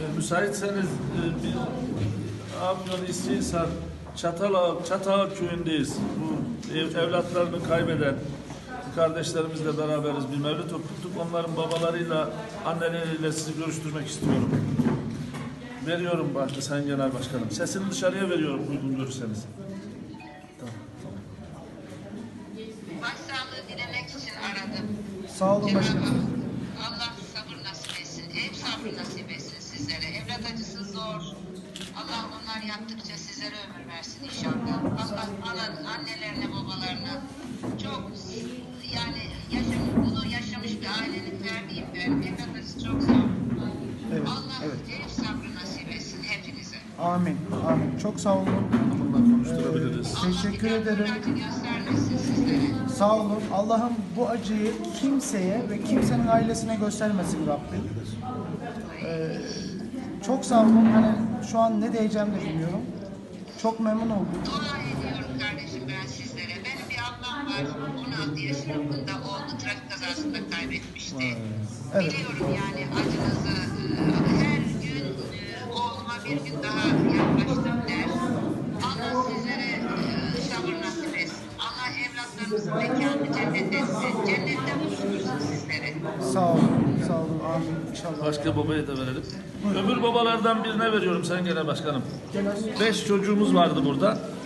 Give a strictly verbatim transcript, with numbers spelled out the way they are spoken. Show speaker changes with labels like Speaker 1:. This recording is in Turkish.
Speaker 1: müsaitseniz e, bir Afyon İstihisar Çatalağ, Çatalağ köyündeyiz. Bu ev, evlatlarını kaybeden kardeşlerimizle beraberiz. Bir mevlüt okuttuk. Onların babalarıyla, anneleriyle sizi görüştürmek istiyorum. Veriyorum başta Sayın Genel Başkanım. Sesini dışarıya veriyorum uygun görürseniz. Tamam, tamam.
Speaker 2: Başsağlığı dilemek için aradım.
Speaker 3: Sağ olun
Speaker 2: Cenab-ı
Speaker 3: başkanım.
Speaker 2: Hak, Allah sabır nasip etsin, ev sabrı nasip etsin sizlere. Evlat acısı zor. Allah onlar yaptıkça sizlere ömür versin inşallah. Allah anan, annelerine, babalarına çok yani yaşam, bunu yaşamış bir ailenin ferdiyim ben. Evlat acısı çok zor.
Speaker 3: Evet,
Speaker 2: Allah
Speaker 3: evet.
Speaker 2: ev sabrı nasip etsin hepinize.
Speaker 3: Amin. Amin. Çok sağ olun.
Speaker 1: Bununla konuşturabiliriz.
Speaker 3: Ee, teşekkür
Speaker 2: Allah bir daha
Speaker 3: ederim.
Speaker 2: bu acı göstermesin sizlere.
Speaker 3: Sağ olun. Allah'ım bu acıyı kimseye ve kimsenin ailesine göstermesin Rabbim. Ee, çok sağ olun. Hani şu an ne diyeceğim de bilmiyorum. Çok memnun oldum.
Speaker 2: Dua ediyorum kardeşim ben sizlere. Benim bir ablam var. on altı yaşında oldu. Trafik kazasında kaybetmişti.
Speaker 3: Evet.
Speaker 2: Biliyorum yani acınızı. e, Her gün e, oğluma bir gün daha yaklaştım der. Allah sizlere e, sabır nasip etsin. Allah evlatlarınızın mekanını cennet etsin. Cennette buluştursun sizlere.
Speaker 3: Sağ olun. Sağ olun. Amin. İnşallah.
Speaker 1: Başka babaya da verelim. Öbür babalardan birine veriyorum Sayın Genel Başkanım.
Speaker 3: Genel.
Speaker 1: Beş çocuğumuz vardı burada.